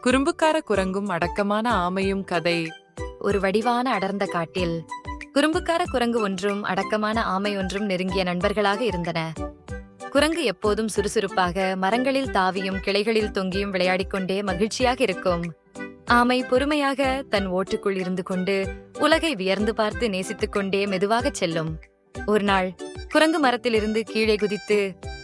குறும்புக்கார குரங்கும் அடக்கமான ஆமையும் கதை. ஒரு வடிவான அடர்ந்த காட்டில் குறும்புக்கார குரங்கு ஒன்றும் அடக்கமான ஆமை ஒன்றும் நெருங்கிய நண்பர்களாக இருந்தன. குரங்கு எப்போதும் சுறுசுறுப்பாக மரங்களில் தாவியும் கிளைகளில் தொங்கியும் விளையாடிக் கொண்டே மகிழ்ச்சியாக இருக்கும். ஆமை பொறுமையாக தன் ஓட்டுக்குள் இருந்து கொண்டு உலகை வியர்ந்து பார்த்து நேசித்துக் கொண்டே மெதுவாகச் செல்லும். ஒரு நாள் குரங்கு மரத்திலிருந்து கீழே குதித்து,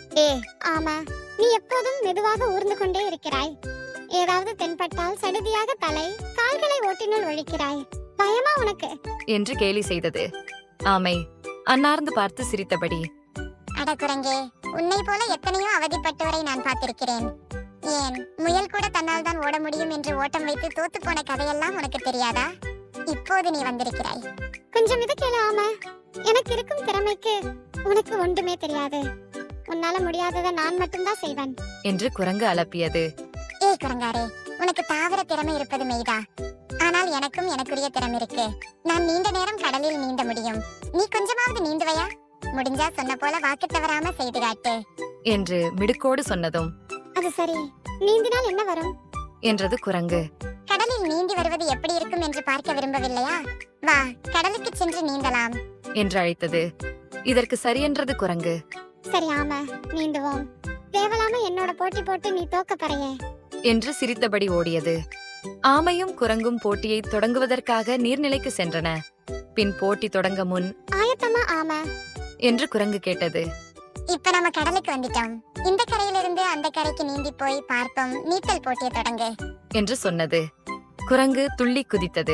ஆமா, நீ எப்போதும் மெதுவாக ஊர்ந்து கொண்டே இருக்கிறாய். ஏதாவது தென்பட்டால் சடுதியாக தலை கால்களை ஓட்டினுள் ஒழிக்கிறாய். பயமா உனக்கு என்று கேலி செய்தது. ஆமை அன்னார்ந்து பார்த்து சிரித்தபடி, அட குரங்கே, உன்னை போல எத்தனையோ அவதிப்பட்டவரை நான் பார்த்திருக்கிறேன். ஏன் முயல் கூட தன்னால் தான் ஓட முடியும் என்று ஓட்டம் வைத்து தோத்து போன கதையெல்லாம் உனக்கு தெரியாதா? இப்போது நீ வந்திருக்கிறாய். கொஞ்சம் இது கேளு ஆமா, எனக்கு இருக்கும் திறமைக்கு உனக்கு ஒன்றுமே தெரியாது. உன்னால முடியாததை நான் மட்டும்தான் செய்வேன் என்று குரங்கு அலப்பியது. ஏய் குரங்காரே, உனக்கு தாவர திறமை இருப்பது மெய்தா. ஆனால் எனக்கும் எனக்குரிய திறமை இருக்கு. நான் நீண்ட நேரம் கடலில் நீந்த முடியும். நீ கொஞ்சமாவது நீந்துவையா? முடிஞ்சா சொன்ன போல வாக்கு தவறாம செய்து காட்டு என்று மிடுக்கோடு சொன்னதும், அது சரி, நீந்தினால் என்ன வரும் என்றது குரங்கு. கடலில் நீந்தி வருவது எப்படி இருக்கும் என்று பார்க்க விரும்பவில்லையா? வா, கடலுக்கு சென்று நீந்தலாம் என்று அழைத்தது. இதற்கு சரியென்றது குரங்கு. சரி ஆமா, நீந்துவோம். தேவலாம என்னோட போட்டி போட்டு நீ தோக்க பறையே என்று சிரித்தபடி ஓடியது. ஆமையும் குரங்கும் போட்டியை தொடங்குவதற்காக நீர்நிலைக்கு சென்றன. பின் போட்டி தொடங்க முன், ஆயத்தமா ஆமா என்று குரங்கு கேட்டது. இப்ப நம்ம கடலுக்கு வந்துட்டோம். இந்த கரையிலிருந்து அந்த கரைக்கு நீந்தி போய் பார்ப்போம். நீச்சல் போட்டியை தொடங்கு என்று சொன்னது. குரங்கு துள்ளி குதித்தது.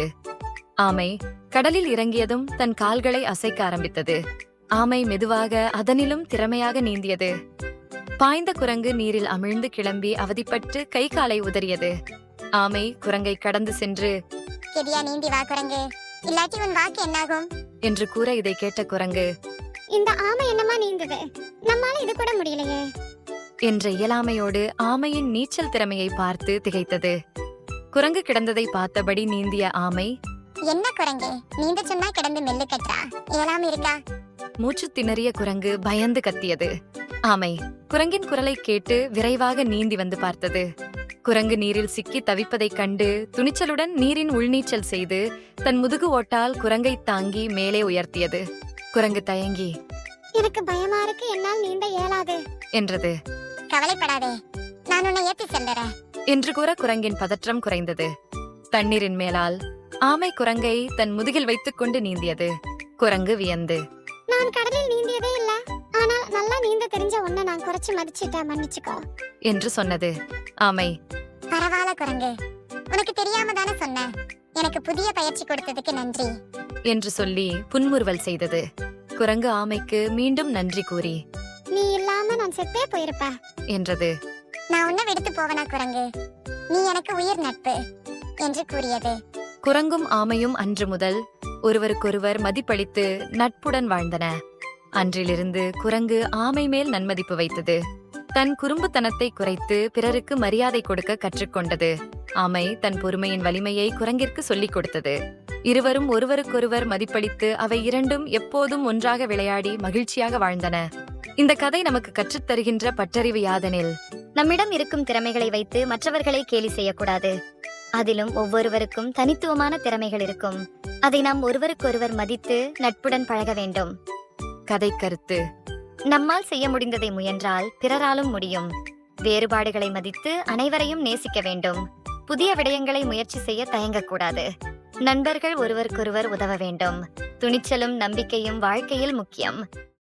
ஆமை கடலில் இறங்கியதும் தன் கால்களை அசைக்க ஆரம்பித்தது. ஆமை மெதுவாக அதனிலும் திறமையாக நீந்தியது. பாய்ந்த குரங்கு நீரில் அமிழ்ந்து கிளம்பி அவதிப்பட்டு கை காலை உதறியது. ஆமை குரங்கை கடந்து சென்று, கெதியா நீந்தி வா குரங்கு, இல்லாட்டி உன் வாக்கு என்னாகும் என்று கூற இதை கேட்ட குரங்கு, இந்த ஆமை என்னமா நீந்தது, நம்மால இது கூட முடியலையே என்ற இயலாமையோடு ஆமையின் நீச்சல் திறமையை பார்த்து திகைத்தது. குரங்கு கிடந்ததை பார்த்தபடி நீந்திய ஆமை, என்ன குரங்கே, நீந்த சொன்னா கிடந்து மெல்லு கட்டுறா, இயலாம இருக்கா? மூச்சு திணறிய குரங்கு பயந்து கத்தியது. ஆமை குரங்கின் குரலை கேட்டு விரைவாக நீந்தி வந்து பார்த்தது. குரங்கு நீரில் சிக்கி தவிப்பதைக் கண்டு துணிச்சலுடன் நீரின் உள்நீச்சல் செய்து தன் முதுகு ஓட்டால் குரங்கை தாங்கி மேலே உயர்த்தியது. குரங்கு தயங்கி, எனக்கு பயமா இருக்கு, என்னால் நீந்த இயலாது என்றது. கவலைப்படாதே, நான் உன்னை ஏத்தி செல்லுறேன் என்று கூற குரங்கின் பதற்றம் குறைந்தது. தண்ணீரின் மேலால் ஆமை குரங்கை தன் முதுகில் வைத்துக் கொண்டு நீந்தியது. குரங்கு வியந்து, நான் கடலில் நீந்தியதே இல்ல, ஆனால் நல்லா நீந்த தெரிஞ்ச உன்னை நான் குறைச்சு மதிச்சிட்டேன், மன்னிச்சுக்கோ என்று சொன்னது. ஆமை, பரவாயில்ல குரங்கு, உனக்கு தெரியாம தானே சொன்னேன். எனக்கு புதிய பயிற்சி கொடுத்ததுக்கு நன்றி என்று சொல்லி புன்முறுவல் செய்தது. குரங்கு ஆமைக்கு மீண்டும் நன்றி கூறி, நீ இல்லாம நான் செத்தே போயிருப்பேன் என்றது. நான் உன்னை விடுத்து போவனா குரங்கு, நீ எனக்கு உயிர் நட்பு என்று கூறியது. குரங்கும் ஆமையும் அன்று முதல் ஒருவருக்கொருவர் மதிப்பளித்து நட்புடன் வாழ்ந்தன. அன்றிலிருந்து குரங்கு ஆமை மேல் நன்மதிப்பு வைத்தது. தன் குறும்புத்தனத்தை குறைத்து பிறருக்கு மரியாதை கொடுக்க கற்றுக்கொண்டது. ஆமை தன் பொறுமையின் வலிமையை குரங்கிற்கு சொல்லிக் கொடுத்தது. இருவரும் ஒருவருக்கொருவர் மதிப்பளித்து அவை இரண்டும் எப்போதும் ஒன்றாக விளையாடி மகிழ்ச்சியாக வாழ்ந்தன. இந்த கதை நமக்கு கற்றுத்தருகின்ற பட்டறிவு யாதெனில், நம்மிடம் இருக்கும் திறமைகளை வைத்து மற்றவர்களை கேலி செய்யக்கூடாது. அதிலும் ஒவ்வொருவருக்கும் தனித்துவமான திறமைகள் இருக்கும். அதை நாம் ஒருவருக்கொருவர் மதித்து நட்புடன் பழக வேண்டும். கதை கருத்து: நம்மால் செய்ய முடிந்ததை முயன்றால் பிறராலும் முடியும். வேறுபாடுகளை மதித்து அனைவரையும் நேசிக்க வேண்டும். புதிய விடயங்களை முயற்சி செய்ய தயங்கக்கூடாது. நண்பர்கள் ஒருவருக்கொருவர் உதவ வேண்டும். துணிச்சலும் நம்பிக்கையும் வாழ்க்கையில் முக்கியம்.